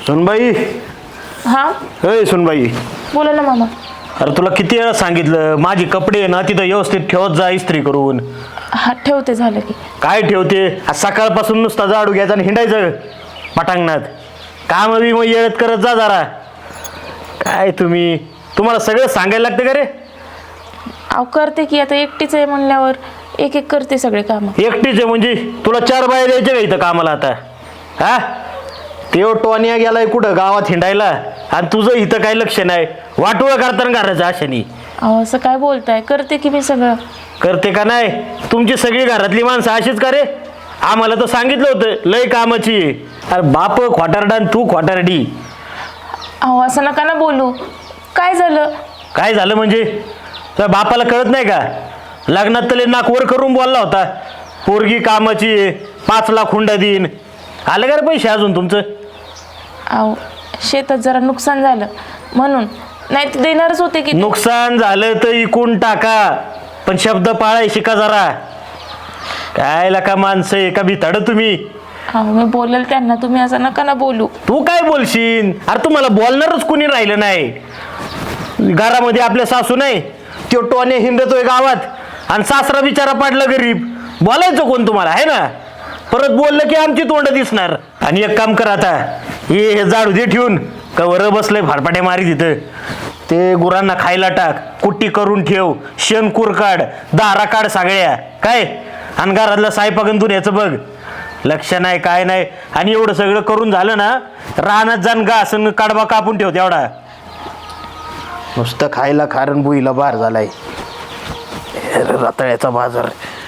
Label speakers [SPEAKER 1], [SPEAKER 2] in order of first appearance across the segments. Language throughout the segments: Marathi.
[SPEAKER 1] सुनबाई.
[SPEAKER 2] हा
[SPEAKER 1] ए सुनबाई.
[SPEAKER 2] बोला ना मामा.
[SPEAKER 1] अरे तुला किती वेळा सांगितलं माझी कपडे ना तिथं व्यवस्थित ठेवत जा इस्त्री करून.
[SPEAKER 2] हा ठेवते, झालं की.
[SPEAKER 1] काय ठेवते? आज सकाळपासून नुसता झाडू घ्यायचा आणि हिंडायचं पटांगणात. काम बी मग येळत करत जा जरा. काय तुम्हाला सगळं सांगायला लागतं का रे?
[SPEAKER 2] अहो करते की, आता एकटीच आहे म्हणल्यावर एक एक करते सगळे काम.
[SPEAKER 1] एकटीच आहे म्हणजे तुला 4 बाया द्यायच्या का इथं कामाला आता? हा तेव टोनिया गेलाय कुठं गावात हिंडायला आणि तुझं इथं काही लक्ष नाही. वाटोळं करताना घराचं आशानी.
[SPEAKER 2] अहो असं काय बोलताय, करते की मी सगळं.
[SPEAKER 1] करते का नाही? तुमची सगळी घरातली माणसं अशीच का रे? आम्हाला तर सांगितलं होतं लय कामाची. अरे बाप खोटारडा आणि तू खोटारडी.
[SPEAKER 2] अहो असं नका ना बोलू. काय झालं?
[SPEAKER 1] काय झालं म्हणजे? तुझ्या बापाला कळत नाही का? लग्नात तले नाक वर करून बोलला होता पोरगी कामाची 5 लाख हुंडा देईन. आलं का रे पैसे अजून तुमचं?
[SPEAKER 2] अहो शेतात जरा नुकसान झालं म्हणून. नाही ते देणारच होते की.
[SPEAKER 1] नुकसान झालं तर इकून टाका, पण शब्द पाळाय शिका जरा. काय लका माणसं एका भिताड तुम्ही.
[SPEAKER 2] अहो मी बोलेल त्यांना, तुम्ही असं नका ना बोलू.
[SPEAKER 1] तू काय बोलशील? अरे तुम्हाला बोलणारच कुणी राहिलं नाही घरामध्ये. आपल्या सासू नाही, तो टोने हिंडतोय गावात आणि सासरा बिचारा पाडला गरीब. बोलायचं कोण तुम्हाला आहे ना? परत बोललं की आमची तोंड दिसणार. आणि एक काम कर आता, हे झाडू दे ठेवून. कवर बसलंय फाडफाटे मारी तिथं. ते गुरांना खायला टाक, कुट्टी करून ठेव, शेणकूर काढ, दारा काढ सगळ्या काय. आणि घरातलं सायपाकन तू याचं बघ. लक्ष नाही काय नाही. आणि एवढं सगळं करून झालं ना, रानात जाण घास कडबा कापून ठेव तेवढा. नुसतं खायला खारण बुईला बार झालाय. रताळ्याचा बाजार.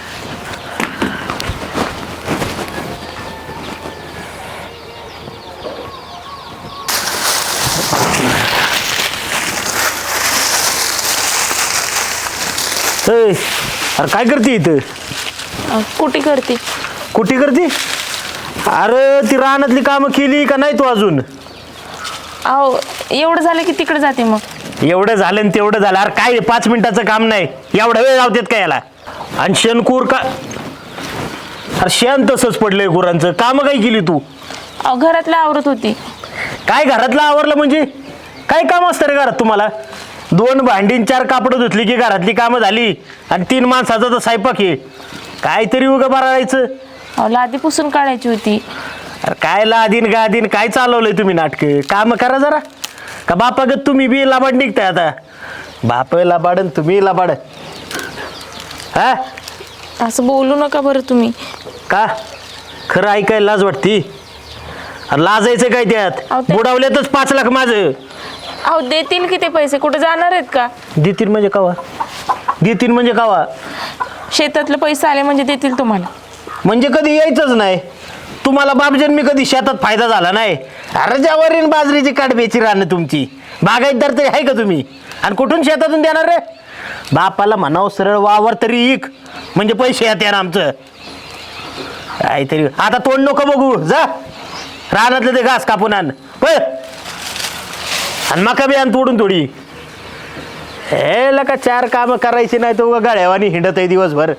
[SPEAKER 1] अरे काय करते इथं?
[SPEAKER 2] कुठे करते?
[SPEAKER 1] कुठे करते? अरे ती रानातली कामं केली का नाही तू अजून?
[SPEAKER 2] अहो एवढं झालं की तिकडे जाते मग.
[SPEAKER 1] एवढं झालं आणि तेवढं झालं. अरे काय 5 मिनिटाचं काम नाही, एवढा वेळ लावतात का याला? आणि शेणकूर का? अरे शेण तसंच पडलंय गुरांचं. कामं काय केली तू?
[SPEAKER 2] अहो घरातलं आवरत होती.
[SPEAKER 1] काय घरातलं आवरलं म्हणजे? काय काम असतं रे घरात तुम्हाला? 2 भांडी 4 कापडं धुतली की घरातली कामं झाली. आणि 3 माणसाचा तर स्वयंपाक आहे. काहीतरी उगं बरायचं.
[SPEAKER 2] अहो लादी पुसून काढायची होती.
[SPEAKER 1] अरे काय लादीन गादीन काय चालवलंय तुम्ही नाटकं? काम करा जरा. का बापागत तुम्ही बी लाबाड निघताय आता? बाप लाबाड आणि तुम्ही लाबाड. हा
[SPEAKER 2] असं बोलू नका बरं तुम्ही.
[SPEAKER 1] का? खरं ऐकायला लाज वाटती? अरे लाजायचं काय त्यात?
[SPEAKER 2] अहो ते-
[SPEAKER 1] बुडावल्यातच 5 लाख माझं.
[SPEAKER 2] अहो देतील की ते पैसे, कुठे जाणार आहेत का?
[SPEAKER 1] देतील म्हणजे कावा? देतील म्हणजे कावा?
[SPEAKER 2] शेतातले पैसे आले म्हणजे देतील तुम्हाला.
[SPEAKER 1] म्हणजे कधी यायचंच नाही. तुम्हाला बापजन्मी कधी शेतात फायदा झाला नाही. अरे ज्यावरील बाजरीची काढब्याची रानं तुमची. बागायतदार तरी आहे का तुम्ही? आणि कुठून शेतातून देणार रे? बापाला म्हणावं सरळ वावर तरी इक, म्हणजे पैसे येते ना आमचं. काहीतरी आता तोंड नको बघू. जा रानातलं ते घास कापून आण होय. आणि मका बी आण तोडून थोडी. हे लका 4 कामं करायची नाही तो गाड्यावानी हिंडत आहे दिवसभर.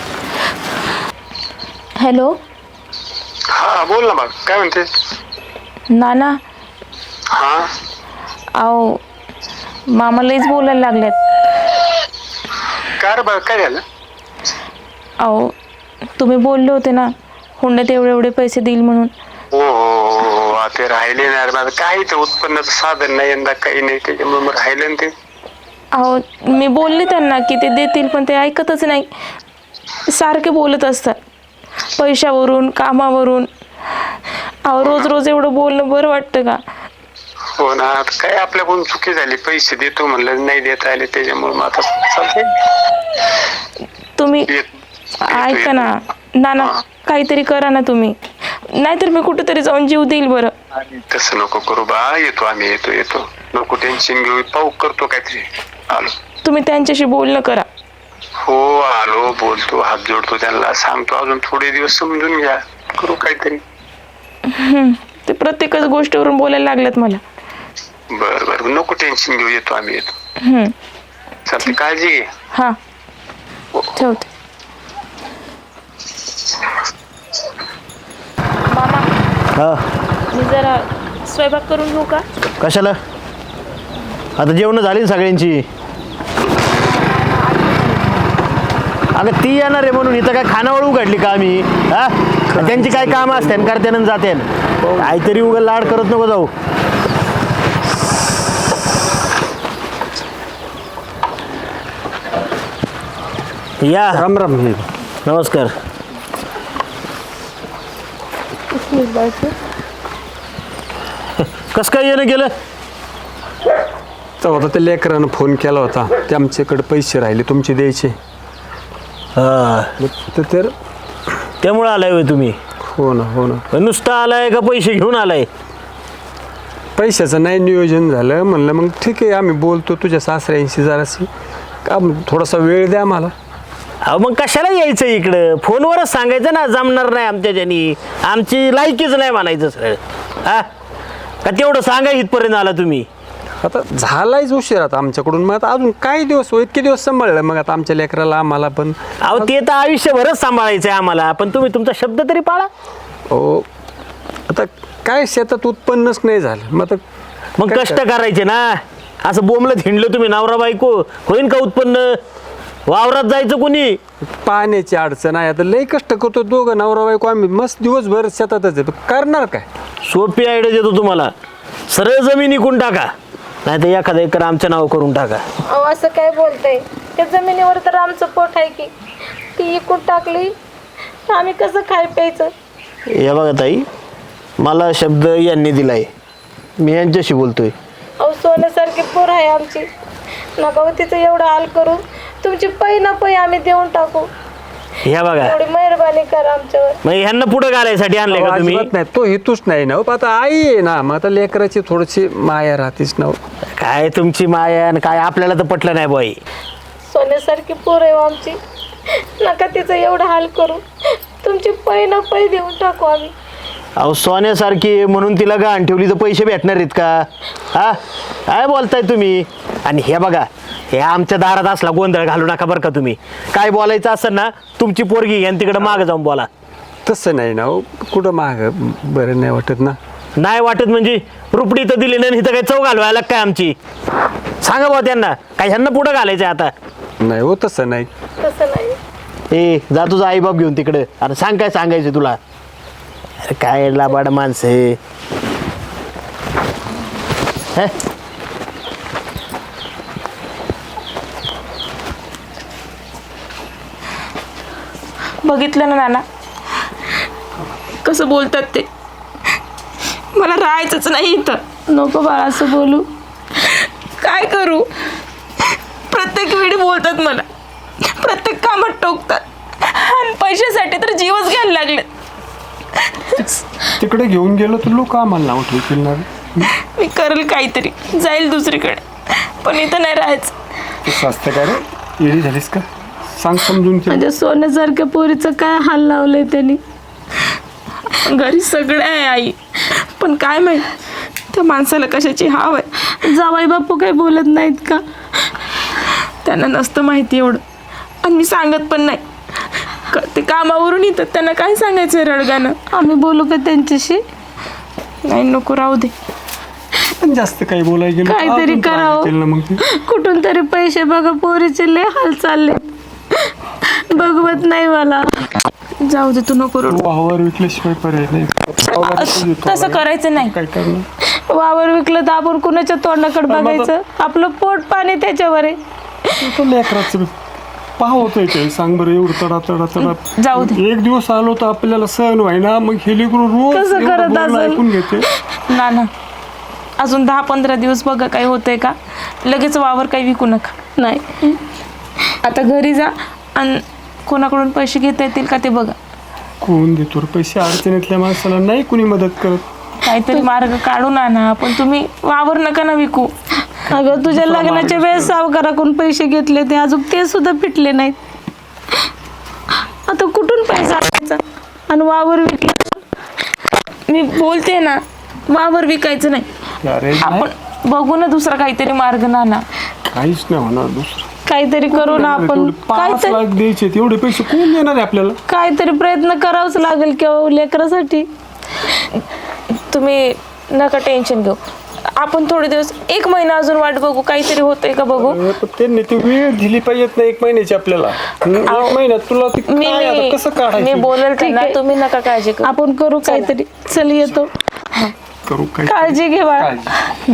[SPEAKER 2] हॅलो
[SPEAKER 3] हा बोल ना. मग काय म्हणते?
[SPEAKER 2] नाना.
[SPEAKER 3] हा
[SPEAKER 2] अहो मामा लईच बोलायला लागल्यात.
[SPEAKER 3] काय रे बा, काय झालं?
[SPEAKER 2] अहो तुम्ही बोलले होते ना हुंड्यात एवढे एवढे पैसे देईल म्हणून.
[SPEAKER 3] हो ते राहिले ना रे. माझं काही तर उत्पन्नाचं साधन नाही यंदा, काही नाही, त्याच्यामुळे मग राहिलं ना ते.
[SPEAKER 2] अहो मी बोलले त्यांना की ते देतील, पण ते ऐकतच नाही. सारखे बोलत असतात पैशावरून, कामावरून. अहो रोज रोज एवढं बोलणं बरं वाटतं का?
[SPEAKER 3] हो ना. आता काय आपल्याकडून चुकी झाली, पैसे देतो म्हणलं नाही देता आले, त्याच्यामुळे मग आता चालतंय.
[SPEAKER 2] तुम्ही
[SPEAKER 3] येतो,
[SPEAKER 2] ऐका ना नाना, काहीतरी करा ना तुम्ही, नाहीतर मी कुठेतरी जाऊन जीव देईल. बरं
[SPEAKER 3] तसं नको करू बा. येतो आम्ही, येतो. नको टेन्शन घेऊ. पाहू, करतो काहीतरी. आलो.
[SPEAKER 2] तुम्ही त्यांच्याशी बोलणं करा.
[SPEAKER 3] हो आलो, बोलतो, हात जोडतो त्यांना, सांगतो अजून थोडे दिवस समजून घ्या, करू काहीतरी.
[SPEAKER 2] ते प्रत्येकच गोष्टीवरून बोलायला लागल्यात मला.
[SPEAKER 3] बर नको टेन्शन घेऊ. येतो आम्ही, चालते. काळजी घे.
[SPEAKER 2] हा ठेवते. मामा
[SPEAKER 1] हा
[SPEAKER 2] मी जरा स्वयंपाक करून घेऊ का?
[SPEAKER 1] कशाला? आता जेवण झाली ना सगळ्यांची. अगं ती येणार आहे म्हणून इथं काय खानावळ उघडली का आम्ही? हा, त्यांची काय कामं असते करते ना जाते. काहीतरी उगा लाड करत नको जाऊ. या.
[SPEAKER 4] राम राम.
[SPEAKER 1] नमस्कार. कसं काय येणं गेलं?
[SPEAKER 4] तेव्हा त्या लेकरानं फोन केला होता, ते आमच्याकडे पैसे राहिले तुमचे द्यायचे.
[SPEAKER 1] हा,
[SPEAKER 4] तर
[SPEAKER 1] त्यामुळं आलाय होय तुम्ही?
[SPEAKER 4] हो ना हो ना.
[SPEAKER 1] नुसतं आलाय का पैसे घेऊन आलाय?
[SPEAKER 4] पैशाचं नाही नियोजन झालं, म्हणलं मग ठीक आहे आम्ही बोलतो तुझ्या सासऱ्यांशी जराशी, का थोडासा वेळ द्या मला.
[SPEAKER 1] अहो मग कशाला यायचं इकडं? फोनवरच सांगायचं ना, जमणार नाही आमच्याच्यानी, आमची लायकीच नाही म्हणायचं सर. हा, का तेवढं सांगा इथपर्यंत आला तुम्ही?
[SPEAKER 4] आता झालायच उशीर आता आमच्याकडून, मग आता अजून काही दिवस इतके दिवस सांभाळलं मग आता आमच्या लेकराला आम्हाला पण.
[SPEAKER 1] अहो ते तर आयुष्यभरच सांभाळायचं आहे आम्हाला, पण तुम्ही तुमचा शब्द तरी पाळा.
[SPEAKER 4] हो, आता काय शेतात उत्पन्नच नाही झालं, मग आता
[SPEAKER 1] मग
[SPEAKER 4] काय
[SPEAKER 1] कष्ट करायचे ना. असं बोंबलं थिंडलं तुम्ही नवरा बायको, होईन का उत्पन्न? वावरात जायचं कोणी?
[SPEAKER 4] पाण्याची अडचण आहे, आता लई कष्ट करतो दोघं नवरा बायको आम्ही, मस्त दिवसभर शेतातच आहे, करणार काय?
[SPEAKER 1] सोपी आयडिया देतो तुम्हाला, सरळ जमीन इकून टाका, नाही तर एखादा एकर आमच्या नाव करून टाका.
[SPEAKER 2] अहो असं काय बोलतंय? त्या जमिनीवर तर आमचं पोट आहे की, ती इकून टाकली आम्ही कसं खाय प्यायचं?
[SPEAKER 1] या बघा ताई, मला शब्द यांनी दिलाय, मी यांच्याशी बोलतोय.
[SPEAKER 2] अहो सोन्यासारखी पोर आहे आमची, नका हो तिचं एवढं हाल करू, तुमची पै ना पै आम्ही देऊन टाकू.
[SPEAKER 1] ह्या बघा,
[SPEAKER 2] एवढी मेहरबानी करा आमच्यावर.
[SPEAKER 1] मग ह्यांना पुढे घालायसाठी आणलंय का तुम्ही?
[SPEAKER 4] अजिबात नाही, तो हेतूच नाही ना. आता आई आहे ना, मग आता लेकराची थोडीशी माया राहतेच ना.
[SPEAKER 1] काय तुमची माया आणि काय आपल्याला तर पटलं नाही बाई.
[SPEAKER 2] सोन्यासारखी पोर आहे आमची, नका तिचं एवढं हाल करू, तुमची पै ना पै देऊन टाकू आम्ही.
[SPEAKER 1] अहो सोन्यासारखी आहे म्हणून तिला गहाण ठेवली तर पैसे भेटणार आहेत का? हा, काय बोलताय तुम्ही? आणि हे बघा, हे आमच्या दारात असला गोंधळ घालू नका बरं का तुम्ही. काय बोलायचं असेल ना, तुमची पोरगी घ्या तिकडे मागं जाऊन बोला.
[SPEAKER 4] तसं नाही ना हो, कुठं माग बरं नाही वाटत ना.
[SPEAKER 1] नाही वाटत म्हणजे रुपडी तर दिली नाही, इथं काय चव घालवायला काय आमची? सांगा बा त्यांना, काय ह्यांना पुढं घालायचं आता?
[SPEAKER 4] नाही हो, तसं नाही.
[SPEAKER 2] तसं नाही.
[SPEAKER 1] ए जा तुझा आई बाप घेऊन तिकडे, अरे सांग काय सांगायचं तुला. अरे काय लाबाड माणसं हे. हे?
[SPEAKER 2] बघितलं ना नाना कसं बोलतात ते? मला राहायचंच नाही इथं. नको बाळा असं बोलू, काय करू? प्रत्येक वेळी बोलतात मला, प्रत्येक कामात टोकतात आणि पैशासाठी तर जीवच घ्यायला लागले.
[SPEAKER 4] तिकडे घेऊन गेलो तर लोक आम्हाला नाव ठेवतील ना.
[SPEAKER 2] मी करेल काहीतरी, जाईल दुसरीकडे, पण इथं नाही राहायचं.
[SPEAKER 4] तू स्वास्थ्य काय रे, येडी झालीस का? सांग समजून.
[SPEAKER 2] माझ्या सोन्यासारख्या पोरीचं काय हाल लावलंय त्यांनी. घरी सगळं आहे आई, पण काय माहित त्या माणसाला कशाची हाव आहे. जावाई बापू काही बोलत नाहीत का? त्यांना नसतं माहिती एवढं, आणि मी सांगत पण नाही. ते कामावरून येतात, त्यांना काय सांगायचं रडगाणं? आम्ही बोलू का त्यांच्याशी? नाही, नको, राहू दे.
[SPEAKER 4] पण जास्त काही बोलायला गेलं
[SPEAKER 2] काहीतरी करावं, कुठून तरी पैसे बघा, पोरीचे लय हाल चालले, बघवत नाही मला. जाऊ दे, तू नको रडू.
[SPEAKER 4] वावर विकल्याशिवाय पर्याय नाही.
[SPEAKER 2] तसं करायचं नाही.
[SPEAKER 4] काय करणार?
[SPEAKER 2] वावर विकलं तर आपण कुणाच्या तोंडाकडे बघायचं? आपलं पोट पाणी त्याच्यावर आहे.
[SPEAKER 4] लेकराचं पाहतोय काय, सांग बरं. एवढं तडा तडा तडा
[SPEAKER 2] जाऊ दे.
[SPEAKER 4] एक दिवस आलो तर आपल्याला सहन व्हायना, मग हे लेकरू रोज
[SPEAKER 2] कसं
[SPEAKER 4] एवढं
[SPEAKER 2] करत
[SPEAKER 4] बोलणं
[SPEAKER 2] असेल?
[SPEAKER 4] ऐकून घेते.
[SPEAKER 2] ना अजून 10-15 दिवस बघा काय होतंय का. लगेच वावर काही विकू नका. नाही, आता घरी जा आणि कोणाकडून पैसे घेता येतील का ते बघा.
[SPEAKER 4] कोण देतो रे पैसे? अडचणीतल्या माणसाला नाही कुणी मदत करत.
[SPEAKER 2] काहीतरी मार्ग काढून आणा, पण तुम्ही वावर नका ना विकू. अगं तुझ्या लग्नाच्या वेळेस सावकाराकडून पैसे घेतले ते अजून ते सुद्धा फिटले नाहीत. आता कुठून पैसा आणायचा? आणि वावर विकला. मी बोलते ना, वावर विकायचं नाही.
[SPEAKER 4] अरे
[SPEAKER 2] आपण बघू ना दुसरा काहीतरी मार्ग ना.
[SPEAKER 4] काहीच नाही होणार दुसरं.
[SPEAKER 2] काहीतरी करू ना आपण.
[SPEAKER 4] 5 लाख द्यायचे, तेवढे पैसे कोण देणार आहे आपल्याला?
[SPEAKER 2] काहीतरी प्रयत्न करावाच लागेल किंवा लेकरासाठी. तुम्ही नका टेन्शन घेऊ. आपण थोडे दिवस 1 महिना अजून वाट बघू, काहीतरी होतंय का बघू.
[SPEAKER 4] त्यांनी ती वेळ दिली पाहिजेत ना 1 महिन्याची आपल्याला. 1 महिन्यात तुला ती काय आता कसं
[SPEAKER 2] मी
[SPEAKER 4] काढायचं?
[SPEAKER 2] बोलेल त्यांना, तुम्ही नका काळजी करू.
[SPEAKER 5] आपण करू काहीतरी. चल येतो.
[SPEAKER 4] करू काय?
[SPEAKER 2] काळजी घे बाळा.
[SPEAKER 4] काळजी.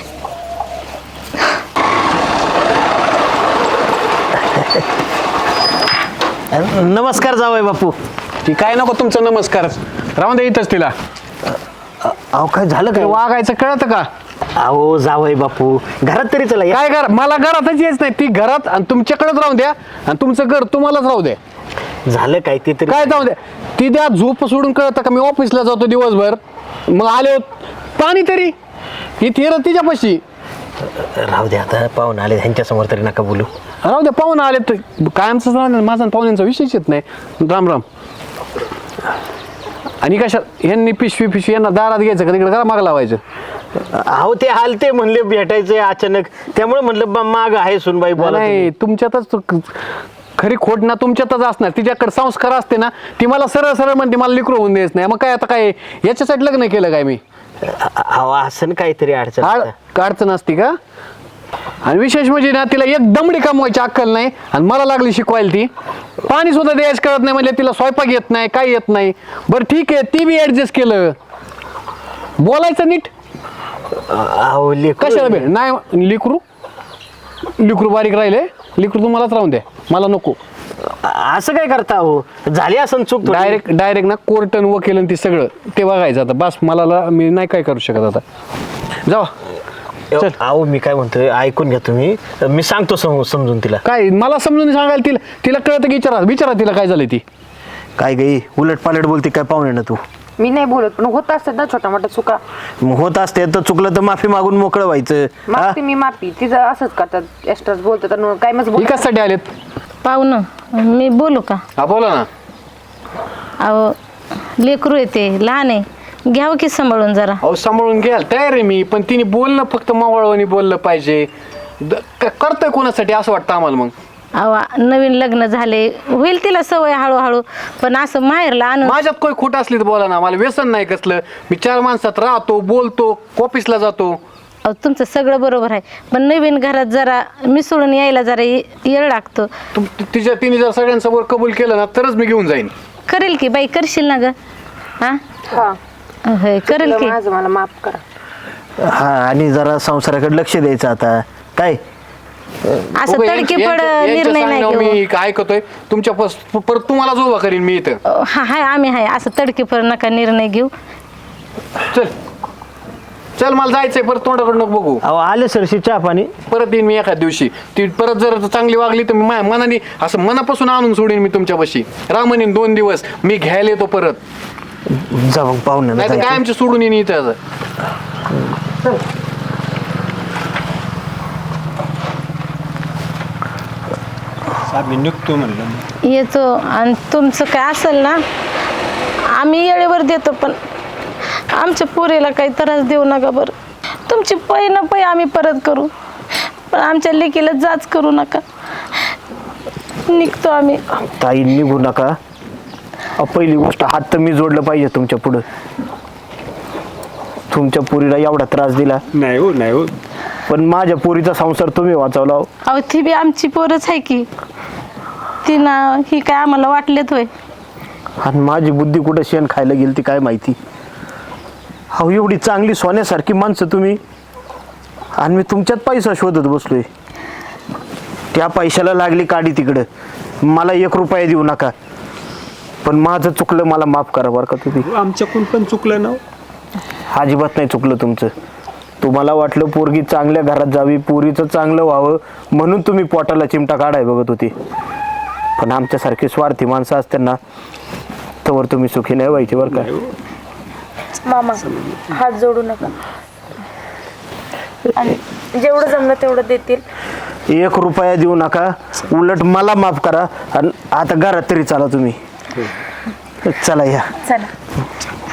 [SPEAKER 1] नमस्कार जावई बापू.
[SPEAKER 6] ती काय नको तुमचं नमस्कार, राहून दे इथंच तिला.
[SPEAKER 1] अहो काय झालं काय?
[SPEAKER 6] वागायचं कळतं का?
[SPEAKER 1] अहो जावई बापू, घरात तरी चला या.
[SPEAKER 6] काय कर, मला घरातच यायच नाही. ती घरात आणि तुमच्याकडेच राहून द्या आणि तुमचं घर तुम्हालाच राहू द्या.
[SPEAKER 1] झालं काय ते तरी?
[SPEAKER 6] काय जाऊ द्या. ती द्या झोप सोडून कळतं का? मी ऑफिसला जातो दिवसभर, मग आले पाणी तरी इथे तिच्यापाशी.
[SPEAKER 1] राहू दे आता, पाहून आले ह्यांच्या समोर तरी नका बोलू.
[SPEAKER 6] राहू द्या, पाहुणा आले तर कायमच राहणार. माझा आणि पाहुण्यांचा विषयच येत नाही. राम राम. आणि कशा यांनी पिशवी यांना दारात घ्यायचं का तिकडे करा माग लावायचं?
[SPEAKER 1] अहो ते हालते म्हणले भेटायचंय अचानक, त्यामुळे म्हणलं माग आहे सुनबाई बोला
[SPEAKER 6] नाही, तुमच्यातच खरी खोट ना तुमच्यातच असणार. तिच्याकडे संस्कार असते ना, ती मला सरळ सरळ म्हणते मला लेकरू होऊन द्यायच नाही. मग काय आता काय याच्यासाठी लग्न केलं काय मी?
[SPEAKER 1] अहो असं काहीतरी अडचण असतं.
[SPEAKER 6] अडचण असते का? आणि विशेष म्हणजे ना, तिला एक दमडी कमवायची अक्कल नाही आणि मला लागली शिकवायला. ती पाणी सुद्धा द्यायच कळत नाही, म्हणजे तिला स्वयंपाक येत नाही, काही येत नाही. बरं ठीक आहे, ती बी ऍडजस्ट केलं. बोलायचं नीट.
[SPEAKER 1] अहो
[SPEAKER 6] कशाला भेट नाही. लिकरू बारीक राहिले. लिकरू तुम्हालाच राहून द्या, मला नको.
[SPEAKER 1] असं काय करता हो? झाली असं चूक थोडी.
[SPEAKER 6] डायरेक्ट ना कोर्ट आणि वकील आणि ती सगळं ते बघायचं आता. बस मला मी नाही काय करू शकत आता. जावा. चल.
[SPEAKER 1] अहो मी काय म्हणतोय, ऐकून घ्या तुम्ही. मी सांगतो समजून तिला.
[SPEAKER 6] काय मला समजून सांगायला तिला कळतं की? विचारा तिला काय झालं. ती
[SPEAKER 1] काय गई उलट पालट बोलते काय पाहुणे ना तू?
[SPEAKER 7] मी नाही बोलत, पण होत असतात ना छोटा मोठा चुका.
[SPEAKER 1] मग होत असते तर चुकलं तर माफी मागून मोकळं व्हायचं. हा?
[SPEAKER 7] मागते मी माफी. तिचं असंच करतात, एक्स्ट्राच बोलतात आणि काय मग
[SPEAKER 6] ही कशासाठी आलेत?
[SPEAKER 5] पाहुणं, मी बोलू का?
[SPEAKER 6] हा बोला ना.
[SPEAKER 5] अहो लेकरू येते, लहान आहे, घ्यावं की सांभाळून जरा.
[SPEAKER 6] अहो सांभाळून घ्यायला तयार आहे मी, पण तिने बोलणं फक्त मावळवानी बोललं पाहिजे. करतोय कोणासाठी असं वाटतं आम्हाला. मग
[SPEAKER 5] अहो नवीन लग्न झाले, होईल तिला सवय हळूहळू, पण असं माहेरला आणून.
[SPEAKER 6] माझ्यात काही खोट असली तर बोला ना. मला व्यसन नाही कसलं. मी 4 माणसात राहतो, बोलतो, ऑफिसला जातो.
[SPEAKER 5] अहो तुमचं सगळं बरोबर आहे, पण नवीन घरात जरा मिसळून यायला जरा येळ लागतो.
[SPEAKER 6] तिने जर सगळ्यांसमोर कबूल केलं ना तरच मी घेऊन जाईन.
[SPEAKER 5] करेल की बाई, करशील ना ग? हा होय करेल की.
[SPEAKER 7] माझं मला माफ करा.
[SPEAKER 1] हा, आणि जरा संसाराकडे लक्ष द्यायचं आता. काय
[SPEAKER 5] असं तडकेपड निर्णय नाही घेऊ.
[SPEAKER 6] मी ऐकतोय तुमच्या परत तुम्हालाच उभा करीन मी इथं.
[SPEAKER 5] हा हाय, आम्ही हाय. असं तडकेपड नका निर्णय घेऊ.
[SPEAKER 6] चल मला जायचंय, परत तोंडाकडे नको बघू.
[SPEAKER 1] अहो आले सरशी चहा पाणी.
[SPEAKER 6] परत येईन मी एखाद्या दिवशी. ती परत जर चांगली वागली तर मी माझ्या मनाने असं मनापासून आणून सोडीन मी तुमच्यापाशी. रामनीन 2 दिवस मी घ्यायला येतो परत.
[SPEAKER 1] जा मग पाहुणे.
[SPEAKER 6] नाही तर काय आमचे सोडून येईन इथं.
[SPEAKER 4] आम्ही निघतो म्हणलं.
[SPEAKER 5] येतो. आणि तुमचं काय असेल ना आम्ही येळेवर देतो, पण आमच्या पोरीला काही त्रास देऊ नका बरं. तुमची पै ना पै आम्ही परत करू, पण आमच्या लेकीला जाच करू नका. निघतो आम्ही.
[SPEAKER 1] ताई निघू नका. पहिली गोष्ट हात तर मी जोडलं पाहिजे तुमच्या पुढं. तुमच्या पोरीला एवढा त्रास दिला
[SPEAKER 4] नाही हो, नाही हो.
[SPEAKER 1] पण माझ्या पोरीचा संसार तुम्ही वाचवला.
[SPEAKER 5] अहो ती बी आमची पोरच आहे की. ती ना ही काय आम्हाला वाटलेत होय.
[SPEAKER 1] आणि माझी बुद्धी कुठं शेण खायला गेली ती काय माहिती. अहो एवढी चांगली सोन्यासारखी माणसं तुम्ही, आणि मी तुमच्यात पैसा शोधत बसलोय. त्या पैशाला लागली काडी तिकडं. मला 1 रुपया देऊ नका, पण माझं चुकलं, मला माफ करा बरं का तुम्ही.
[SPEAKER 4] आमच्याकडून पण चुकलं ना.
[SPEAKER 1] अजिबात नाही चुकलं तुमचं. तुम्हाला वाटलं पोरगी चांगल्या घरात जावी, पोरीचं चांगलं व्हावं म्हणून तुम्ही पोटाला चिमटा काढाय बघत होती. पण आमच्यासारखी स्वार्थी माणसं असते ना, तोवर तुम्ही सुखी नाही व्हायची बरं का.
[SPEAKER 2] मामा हात जोडू नका. आणि जेवढं जमलं तेवढं देतील.
[SPEAKER 1] 1 रुपया देऊ नका, उलट मला माफ करा. आणि आता घरात तरी चला तुम्ही. चला या.
[SPEAKER 2] चला.